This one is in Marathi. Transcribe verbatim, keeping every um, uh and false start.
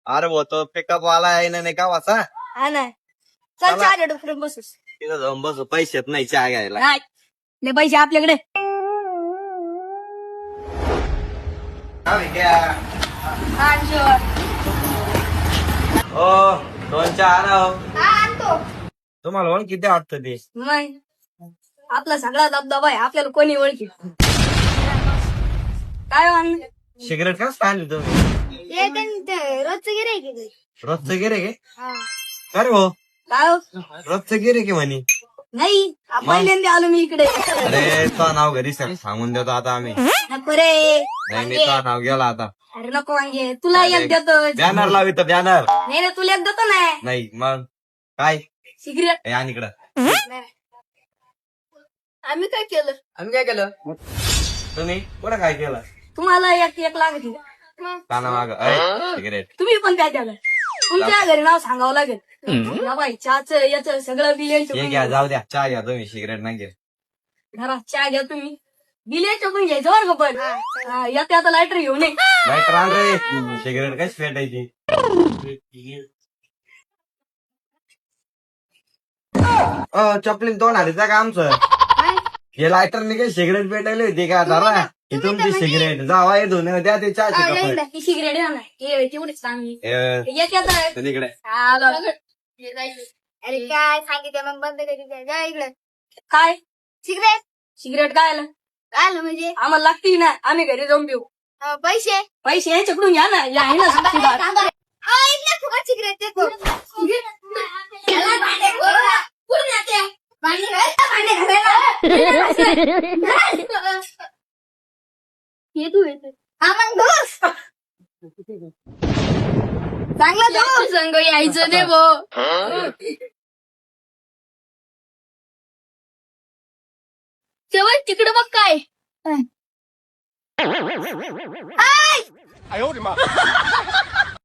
अरे वो तो पिकअप वाला आहे ना नाही का वाचा हा नाही चल चला. चहा डॉक्टर बसूस तिथं जाऊन बसू पैसेत नाही चहा घ्यायला नाही लय पैसे आपल्याकडे ओ दोन चहा आणा हो. आणतो तुम्हाला ओळख किती वाटतं ते नाही आपला सगळा दबदबा आहे आपल्याला कोणी ओळखी काय हो अण्णा? सिगरेट का आणली तुम्ही रोजचं गिरे रोजचं गिरे गे अरे हो काय हो? रोजचं गिरे की म्हणे नाही पहिल्यांदा आलो मी इकडे अरे तो नाव घरी सर सांगून देतो आता आम्ही नको रे नाही नाही तो नाव गेला आता अरे नको वांगे तुला एक देतो बॅनर लावी तर बॅनर नाही ना तुला एक देतो ना नाही मग काय सिगरेट हे आण इकडं आम्ही काय केलं आम्ही काय केलं तुम्ही कुठं काय केलं तुम्हाला एक एक लागत काना माग सिगरेट तुम्ही पण काय केलं तुमच्या घरी नाव सांगावं लागेल या बाई चहाच याच सगळं बिल हे घ्या जाऊ द्या चहा घ्या तुम्ही सिगरेट नाही घ्या घरात चहा घ्या तुम्ही बिल पण घ्यायचं बरं का पण हा, येते आता लायटर घेऊन ये लाईटर आण रे सिगरेट कशी फेटायची अ चपलीन तोंड आलीचा का आमचं हे लायटरने काही सिगरेट पेटायली होती का धरा ही तुमची सिगरेट जावा हे धुणे द्या ते चहाची कप ही सिगरेट आहे ना हे तेवढीच चांगली येते आता इकडे आलो. अरे काय सांगितलं मग बंद करी जा इकडे काय सिगरेट सिगरेट काय आलं आलं म्हणजे आम्हाला लागती ना आम्ही घरी जाऊन पिऊ अं, पैसे पैसे यांच्याकडून घ्या ना या आहे ना साक्षीदार. अं, इथलं फुकट सिगरेट देतो याला भांडे घाला. कुठून येते? भांडे घाल, भांडे घालायला. ये तू येते हा मग दोस चांगला दोस संग यायचं नाही भो तेव्हा तिकडे बघ काय आय!